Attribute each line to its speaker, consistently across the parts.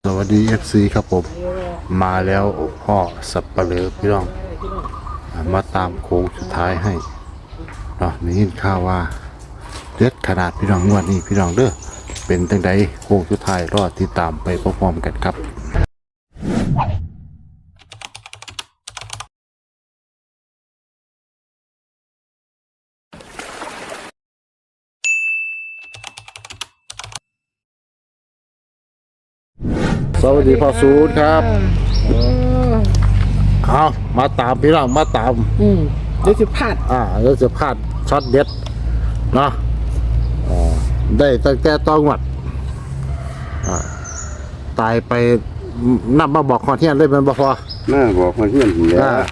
Speaker 1: สวัสดี FC ครับผมมาแล้วพ่อสับปะเลอพี่น้องมาตามโค้งสุดท้ายให้เนาะนี่ยินข่าวว่าเด็ดขนาดพี่น้องงวดนี้พี่น้องเด้อเป็นจังใดโค้งสุดท้ายรอติดตามไปพร้อมๆกันครับสวัสดีพ่อสูตรครับเอามาตามพี่น้องมาตาม
Speaker 2: เดี๋ยวจะพลาด
Speaker 1: แล้วจะพลาดช็อตเด็ดเนาะได้ตั้งแต่ต้องวัดตายไปนับมาบอกคอนเทียนเลยมันบ่พอ
Speaker 3: มาบอกคนเพื่อนอยู่แล้ว
Speaker 1: อ่า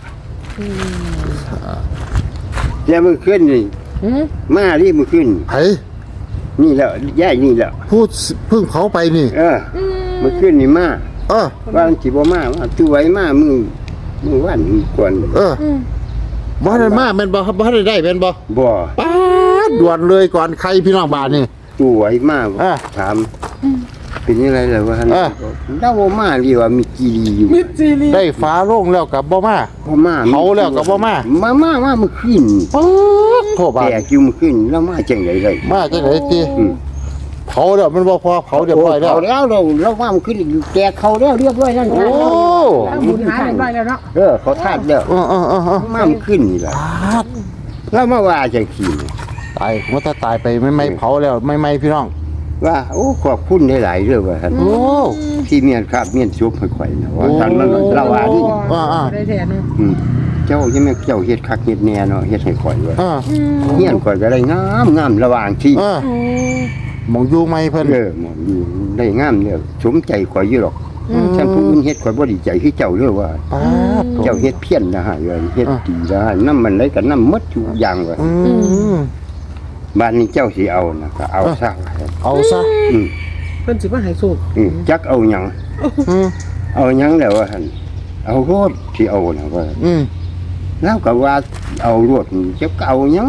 Speaker 3: แย่มือขึ้นนี่มารีบมือขึ้น
Speaker 1: ไผ
Speaker 3: นี่แล้วย่ายนี่แล้ว
Speaker 1: พูดเพิ่งเขาไปนี่
Speaker 3: มือขึ้นนี่มา
Speaker 1: เออ
Speaker 3: ว่าจีบมาว่าตัวไว้มามือวันก่อน
Speaker 1: บ่ได้มาแม่นบ่บ่ได้แม่นบ่
Speaker 3: บ่
Speaker 1: ป๊าดด่วนเลยก่อนใครพี่น้องบ้านนี่
Speaker 3: ตัวไว้มา ถามเป็นยังไงล่ะว่าท่านเล่ามาเรียกว่ามีกีรีอยู่
Speaker 2: มิดซีรี
Speaker 1: ได้ฟ้าโล่งแล้วกับบ่มา
Speaker 3: พ่อมา
Speaker 1: เขาแล้วก็บ่มา
Speaker 3: มามือขึ้น
Speaker 1: ป๊าดโทษบาด
Speaker 3: แต่กิ้วมือขึ้นแล้วมาจังไดเลย
Speaker 1: มาจังได๋ติเผาแล้วมันบ่พอเผาเรียบร้อยแล้ว
Speaker 3: เขาแล้วเราว่ามันขึ้นแกเขาแล้วเรียบร้อยแล้ว
Speaker 1: โอ้
Speaker 2: บุญหายไปแล้วเนาะ
Speaker 3: เขาทาดแล้ว มามันขึ้นนี่แหละแล้วมาว่าจังขี่
Speaker 1: ตายมันถ้าตายไปไม่เผาแล้วไม่พี่น้อง
Speaker 3: ว่าโอ้ขอบคุณหลายๆเรื่องว่าท่าน
Speaker 1: โอ้
Speaker 3: ที่เมียนครับเมียนซุปให้ข่อยนะว่าท่านมันเล่าว่านี่
Speaker 2: ได้แทนเนาะ
Speaker 3: เจ้ายังไม่เจ้าเฮ็ดคักเฮ็ดแน่เนาะเฮ็ดให้ข่อยว่า
Speaker 1: อ่า
Speaker 3: เมียนข่อยก็ได้งามระหว่างที่
Speaker 1: มองอยู่ไม่เพิ่น
Speaker 3: หมออยู่ได้งามเนี่ยสมใจข่อยอยู่หรอกฉันผู้อื่นเฮ็ดข่อยบ่ดีใจคือเจ้าเด้อว่า
Speaker 1: ป๊าด
Speaker 3: เจ้าเฮ็ดเพี้ยนนะฮะเฮ็ดดีนะน้ำมันไหลก็น้ำหมดทุกอย่างว่า บ้านนี้เจ้าสิเอานะก็เอาซะ
Speaker 1: เอาซะ
Speaker 2: เพิ่นสิมาให้สูบ
Speaker 3: จักเอาหยังเอาหยังแล้วว่าหั่นเอาโรดที่เอานะว่าแล้วก็ว่าเอาโรดจักเอาหยัง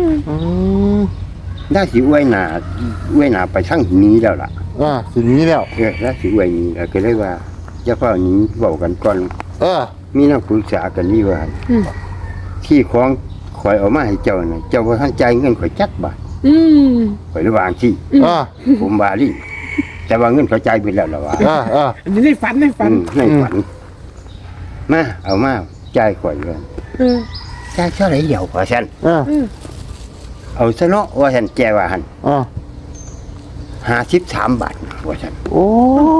Speaker 3: ได้สิอวยหน้าไปทางนี้แล้วล่ะ
Speaker 1: สินี้แล้ว
Speaker 3: แล้วสิอวยนี้แล้วก็เลยว่าจะเฝ้านี้เว้ากันก่อนมีนักปรึกษากันนี่ว่าที่ของข่อยเอามาให้เจ้าน่ะเจ้าบ่ทันจ่ายเงินข่อยจักบาทข่อยระวางที่ผมว่าดิแต่ว่าเงินเขาจ่ายไปแล้วล่ะว่า
Speaker 2: อันนี้ในฝัน
Speaker 3: ในฝันมาเอามาจ่ายข่อยเลยจ่ายเท่าไหร่เดียวกว่าฉันเอาซะเนาะว่าฉันแจว่าหัน53 บาทว่าฉัน
Speaker 1: โอ้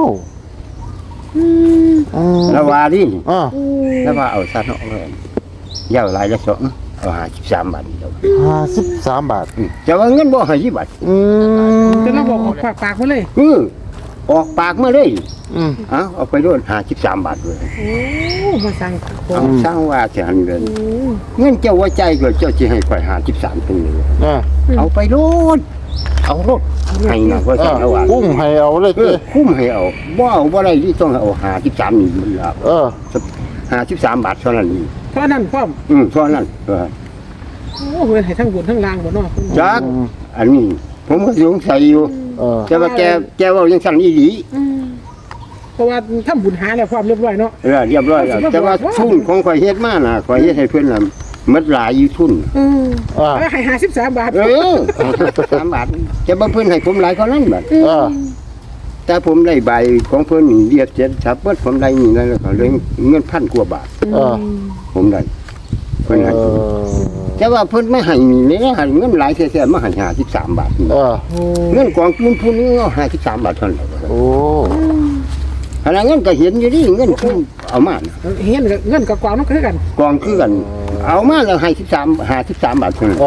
Speaker 3: แล้วว่าดิแล้วว่าเอาซะเนาะว่าเย้าหลายละสองเอา53 บาทเดียว
Speaker 1: 53 บาท
Speaker 3: แต่ว่าเงินบ่50 บาท
Speaker 2: จะเราบอกปากมาเลย
Speaker 3: ออกปากมาเลยเอาไปโดน53 บาทเลย
Speaker 2: โอ้มาสั่ง
Speaker 3: เอาสร้างว่าจะหันเงินเงินเจ้าว่าใจก็เจ้าจะให้ข่อย53เป็นเลยเอาไปโลดเอาโลดให้นะว่าจะเอาว่า
Speaker 1: กุ้งให้เอาเลยติ
Speaker 3: คุ้มให้เอาบ่เอาบ่ได้ที่ต้องเอา53นี่มันละ53 บาทเท่านั้นนี่
Speaker 2: เพราะนั่นพร้อม
Speaker 3: เท่านั้น
Speaker 2: โอ้เพิ่นให้ทั้งบุญทั้งลางบ่เนาะ
Speaker 3: จักอันนี้ผมก็สงสัยอยู่แต่ว่าแกว่ายังสั่นอีหลี
Speaker 2: เพราะว่าทำบุญหาแล้วพร้อมเรียบร้อยเนาะ
Speaker 3: เรียบร้อยแล้วแต่ว่าทุนของข่อยเฮ็ดมาน่ะข่อยเฮ็ดให้เพิ่นน่ะหมดหลายอยู่ทุน
Speaker 2: ให้53 บาท
Speaker 3: 3 บาทจะบ่เพิ่นให้ผมหลายกว่านั้นบาทแต่ผมได้ใบของเพิ่นนี่เรียกเสร็จครับเบิดผมได้นี่แล้วก็เลยเงิน1,000 กว่าบาทผมได้เพิ่นให้แต่ว่าเพิ่นไม่ให้นี่เลยนะเงินหลายแท้ๆมาให้53 บาทเงินกองทุนผู้นี้เอา53 บาทเท่านั้น
Speaker 1: โอ้
Speaker 3: ขณะเงินก็เห็นอยู่นี่เงินคือเอามา
Speaker 2: เห็นเงินกับกองนำคือกัน
Speaker 3: กองคือกันเอามาแล้วให้53 บาทเท่านั้น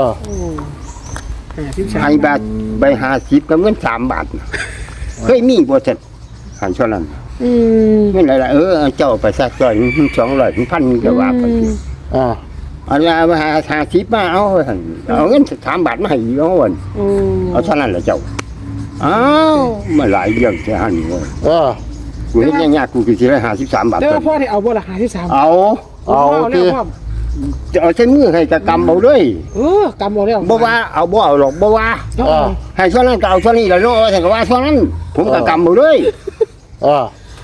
Speaker 3: ให้บาทใบ50กับเงิน3 บาทเคยมีบ่ซั่นหันเท่านั้นเงินหลายๆเจ้าไปซักจ่อย200 1,000ก็ว่าไปเอาละมา50มาเอาหั่นเอาเงิน3 บาทมาให้เอาวันเอาเท่านั้นแหละเจ้าอ้าวมาหลายเรื่องแค่หันเว้ยกูเฮ็ดยากๆกูคือสิได้53 บาท
Speaker 2: แต่ว่าพ่อได้เอาบ่ล่ะ53
Speaker 3: เอา
Speaker 2: แล้วพร้อม
Speaker 3: จะเอาใช้มือให้กะกำเอาด้วย
Speaker 2: กำเอาแล้ว
Speaker 3: บ่ว่าเอาบ่เอาหรอกบ่ว่าให้เท่านั้นก็เอาเท่านี้แล้วเนาะว่าแต่ก็ว่าเท่านั้นผมก็กำเอาด้วย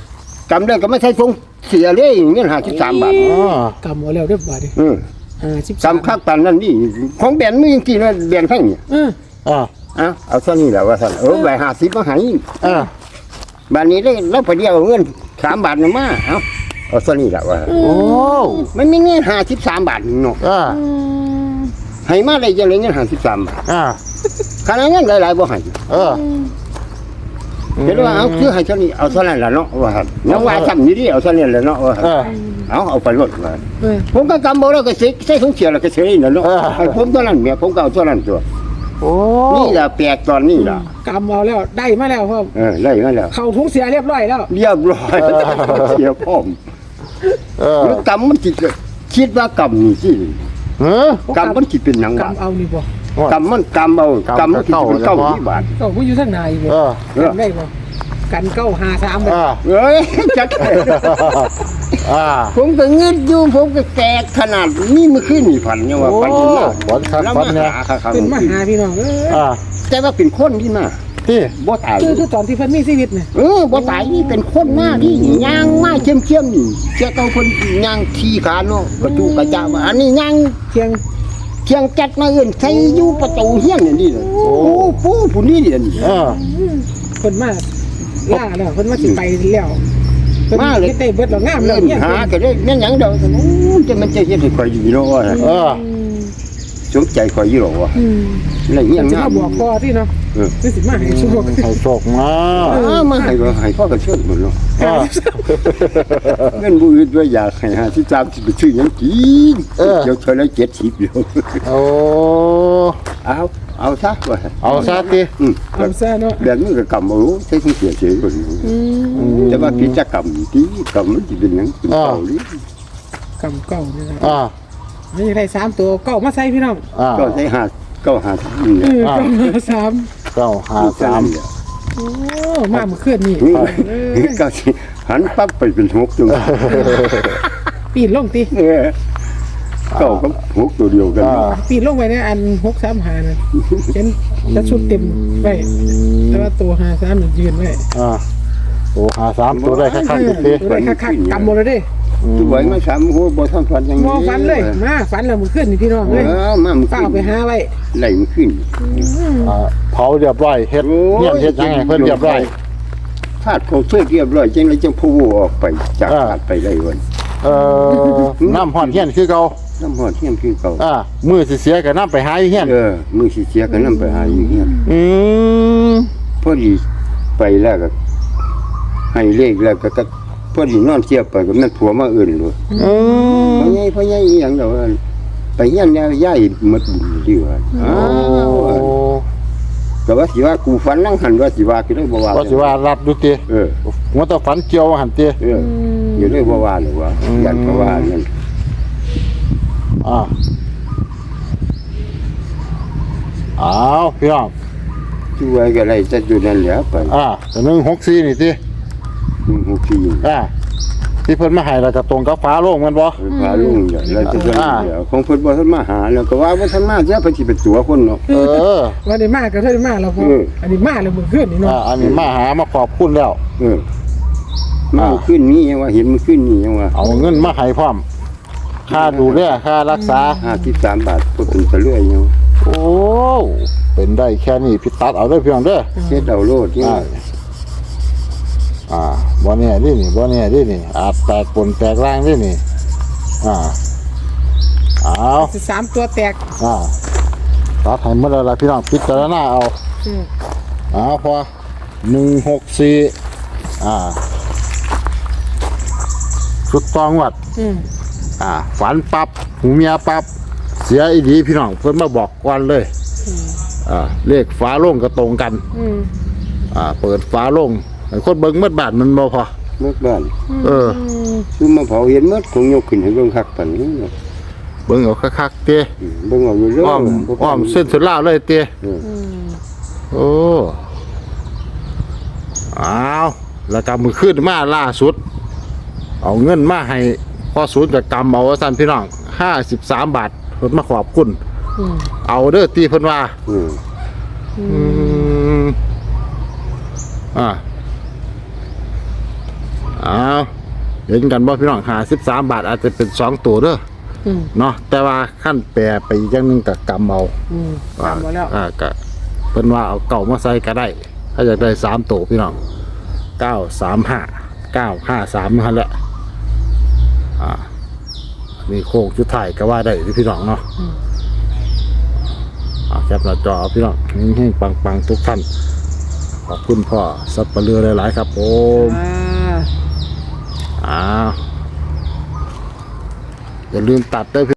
Speaker 3: กำได้ก็ไม่ใช่ทรงเสียเลยเงิน53 บาท
Speaker 1: อ๋อก
Speaker 2: ำเอาแล้วเรียบร้อยดิ
Speaker 3: กำคักปานนั้นนี่ของแบนมือจริงๆนะแบนให้เนี่ย
Speaker 1: อ่า
Speaker 3: เอาเท่านี้แหละว่าซั่นใบ50มาให้
Speaker 1: อ่า
Speaker 3: บัดนี้ได้แล้วพอดีเอาเงิน3 บาทน่ะมาเอาเท่านี้แหละว่า
Speaker 1: โอ้
Speaker 3: มันมีเงิน53 บาทเนาะ
Speaker 1: อ่า
Speaker 3: ให้มาได้จังเลยเงิน53 บาท
Speaker 1: อ่า
Speaker 3: ขนาดเงินหลายๆบ่ให้
Speaker 1: เออ
Speaker 3: เห็นว่าเอาคือให้เท่านี้เอาเท่านั้นล่ะเนาะว่าซั่นน้องว่าทำอยู่ดิเอาเท่านี้แหละเนาะว่า
Speaker 1: เออ
Speaker 3: เอาไปรถว่า
Speaker 2: เออ
Speaker 3: ผมก็กำบ่แล้วก็ใส่ถุงเสียแล้วก็เสียนี่น่ะเนาะให้ผมเท่านั้นแม่ผมก็เอาเท่านั้นตัว
Speaker 1: โอ้
Speaker 3: นี่ล่ะแปลกตอนนี้ล่ะ
Speaker 2: กำเอาแล้วได้มาแล้วพ่อ
Speaker 3: ได้มาแล้ว
Speaker 2: เข้าถุงเสียเรียบร้อยแล้ว
Speaker 3: เรียบร้อยเสียพร้อม
Speaker 1: เออ
Speaker 3: แล้วกำมันสิคิดว่ากำนี่สิ
Speaker 1: เฮ้อก
Speaker 3: ำมันสิเป็นหยังวะ
Speaker 2: กำเอานี่บ่
Speaker 3: กำมันกำเอากำมันสิเป็นเก้าที่บาท
Speaker 2: เก้าผู้อยู่ทางไหนบ่
Speaker 1: เออ
Speaker 2: กันได้บ่กันเก้า53บ่
Speaker 1: อ่า
Speaker 3: เอ้ยจัก
Speaker 1: อ่า
Speaker 3: ผมก็เงินอยู่ผมก็แตกขนาดนี้เมื่อคืนนี่ฝันเนี่ยว่า
Speaker 1: โอ้
Speaker 3: ฝันที่มา
Speaker 1: ฝันคัก
Speaker 3: แล้ว
Speaker 1: ฝั
Speaker 3: มาน
Speaker 1: เนี่ย
Speaker 3: หาครับ
Speaker 2: เป็นมาหาพี่น้องเอ้ย
Speaker 1: อ่า
Speaker 3: แต่ว่าเป็นคนที่มา
Speaker 1: ที่
Speaker 3: บ่ตาย
Speaker 2: คือตอนที่เพิ่นมีชีวิตน่ะ
Speaker 3: บ่ตายนี่เป็นคนมาที่ย่างมาเข้มๆนี่เจ้าต้องคนย่างขี้ขาเนาะกระจูกระจ้าว่าอันนี้ย่าง
Speaker 2: เพียง
Speaker 3: เชียงจัดมาเอื่นใส่อยู่ประตูเฮียนนี่เลยโอ้ปูผู้นี้นี่
Speaker 1: เออ
Speaker 2: เพิ่นมาล่าแล้วเพิ่นมาสิไปแล้วเพิ่น
Speaker 3: มาเลย
Speaker 2: เฮ็ดได้เบิดแล้วงามแล้ว
Speaker 3: เล่น
Speaker 2: เนี่ย
Speaker 3: หาก็ได้แม่นหยังดอกจะมันจะเฮ็ดให้ข่อยดีเนาะว่า
Speaker 1: เออ
Speaker 3: สนใจข่อยอยู่หรอวะ
Speaker 2: อืม
Speaker 3: แล้วเฮีย
Speaker 2: เพิ่นสิ
Speaker 3: งาม
Speaker 2: มาบอกพ่อที่เนาะ
Speaker 3: เออ
Speaker 2: นี่สิมาให้สุข
Speaker 1: ให้โชคมา
Speaker 3: มาให้พ่อก็เชิญหมดเนาะ
Speaker 1: อ่า
Speaker 3: เงินบ่อื่นด้วยอยากให้53สิไปซื้อหยังกินเดี๋ยวเท่าละ70เดี๋ยว
Speaker 1: โอ้
Speaker 3: เอาซะว่า
Speaker 1: เอาซะติ
Speaker 2: เอาซะเนาะ
Speaker 3: แบบนี้ก็กำเอาใช้สิเสียเฉยคนแต่ว่ากิจกรรมที่กำมันสิเป็นหยังเป็นเก่าหรือก
Speaker 2: ำเก้านี่นะ
Speaker 1: อ่า
Speaker 2: ไม่ได้3ตัวเก้ามาใส่พี่น้อง
Speaker 1: อ่า
Speaker 3: ก็ใช้5นี่
Speaker 2: เออเก้ามาสาม
Speaker 1: 953
Speaker 2: โอ้มาเมื่อคืนนี่
Speaker 3: ก็สิหันปั๊บไปเป็น6ตัว
Speaker 2: ปีนลงติ
Speaker 3: เก้ากับ6ตัวเดียวกัน
Speaker 1: อ่า
Speaker 2: ปีนลงไปในอัน635น่ะเห็นจะชุดเต็มไว้แต่ว่าตัว53นี่ยืนไว้
Speaker 1: อ่าโอ้53ตัวได้คักๆติ
Speaker 2: ตัวได้คักๆกำหมดเลยเด้
Speaker 3: ตัวไว้มา3โหบ่ทันฝันยัง
Speaker 2: มองฝันเลยมาฝันแล้วมื้อคืนนี่พี่น้องเลย
Speaker 3: มามัน
Speaker 2: เป้าไปหาไว้
Speaker 3: ไหลมันขึ้น
Speaker 1: อ่าเผาเรียบร้อยเฮ็ดเนี่ยเฮ็ดยังไงเพิ่นเรียบร้อย
Speaker 3: ธาตุเขาช่วยเรียบร้อยจังเลยจังพูออกไปจากธาตุไปได้วัน
Speaker 1: น้ำฮ้อนเฮียนคือเก่า
Speaker 3: น้ำหอดเที่ยงคือเก่า
Speaker 1: มื้อสิเสียก็น้ำไปหาอยู่เฮียน
Speaker 3: มือสิเสียกันนำไปหาอยู่เฮีย
Speaker 1: อืม
Speaker 3: พอดีไปแล้วก็ให้เลขแล้วก็พอดีนอนเทียบไปก็แม่นผัวมาอื่นเลย
Speaker 1: อืม
Speaker 3: พ่อใหญ่อีหยังดอกไปเฮียนแล้วย้ายหมดบุญดีว่าก็ว่าสิว่ากูฝันนั่งหันว่าสิว่าก็ได้บ่ว่า
Speaker 1: ว่าสิว่ารับดูติ หัวตะฝันเกี่ยวหันติ
Speaker 3: อยู่ได้บ่ว่าหรอกว่ายันเพราะว่านั่น
Speaker 1: อ้าวพี่น้อง
Speaker 3: ช่วยก็ได้จะอยู่นั่นแหละไป
Speaker 1: แต่164นี่ติ
Speaker 3: 64
Speaker 1: ที่เพิ่นมาให้แล้วก็ตรงกับฟ้าโล่งแม่นบ่
Speaker 3: พาลุงแล้วจะเดี๋ยวของเพิ่นบ่ทันมาหาแล้วก็ว่าบ่ทันมาเสียเพิ่นสิเป็นตัวคนเนาะ
Speaker 2: วันนี้มาก็เท่านี้มาแล้วพออันนี้มาแล้วมื้อคืนนี่เนาะ
Speaker 1: อันนี้มาหามาขอบคุณแล้ว
Speaker 3: มาขึ้นนี่ยังว่าเห็นมันขึ้นนี่ยังว่า
Speaker 1: เอาเงินมาให้พร้อมค่าดูแลค่ารักษา
Speaker 3: 53 บาทก็เป็นตะเลื่อยยัง
Speaker 1: โอ้เป็นได้แค่นี้พี่ตัดเอาเด้อพี่น้องเด้อ
Speaker 3: เฮ็ดเอาโลดนี่
Speaker 1: บ่แน่ดินี่บ่แน่ดินี่อาจแตกปนแตกร่างดินี่เอา
Speaker 2: สิ3ตัวแตก
Speaker 1: ตัดให้หมดแล้วล่ะพี่น้องพิจารณาเอาพอ164สุดตองวัดฝันปั๊บหูเมียปั๊บเสียอีดีพี่น้องเพิ่นมาบอกก่อนเลยเลขฟ้าโล่งก็ตรงกันเปิดฟ้าโล่งให้คนเบิ่งหมดบาทมันบ่พอ
Speaker 3: เมื่อบ้าน
Speaker 1: คือ
Speaker 3: มาเผาเห็นหมดคงยกขึ้นให้เบิ่งคักปานนี้
Speaker 1: เบิ่งเอาคักๆเต้
Speaker 3: เบิ่งเอาอยู่เรื่อย
Speaker 1: อ้อมเส้นสุดล่าวเลยเต้โอ้อ้าวแล้วก็มือขึ้นมาล่าสุดเอาเงินมาให้พอศูนย์กับกำเอาว่าซั่นพี่น้อง53 บาทเพิ่นมาขอบคุณเอาเด้อตีเพิ่นว่าอ้าวเห็นกันบ่พี่น้อง53 บาทอาจจะเป็น2ตัวเด้อ
Speaker 2: อืม
Speaker 1: เนาะแต่ว่าขั้นแปรไปอีกอย่างหนึงก็กำเอา
Speaker 2: จำไว้แล้ว
Speaker 1: ก็เพิ่นว่าเอาเก่ามาใส่ก็ได้ ถ้าอยากได้3ตัวพี่น้อง935 953นั่นแหละมีโค้งชุดถ่ายก็ว่าได้พี่น้องเนาะแคปหน้าจอเอาพี่น้องให้ปังๆทุกท่านขอบคุณพ่อสับปะเลือหลายๆครับผมอย่าลืมตัดด้วย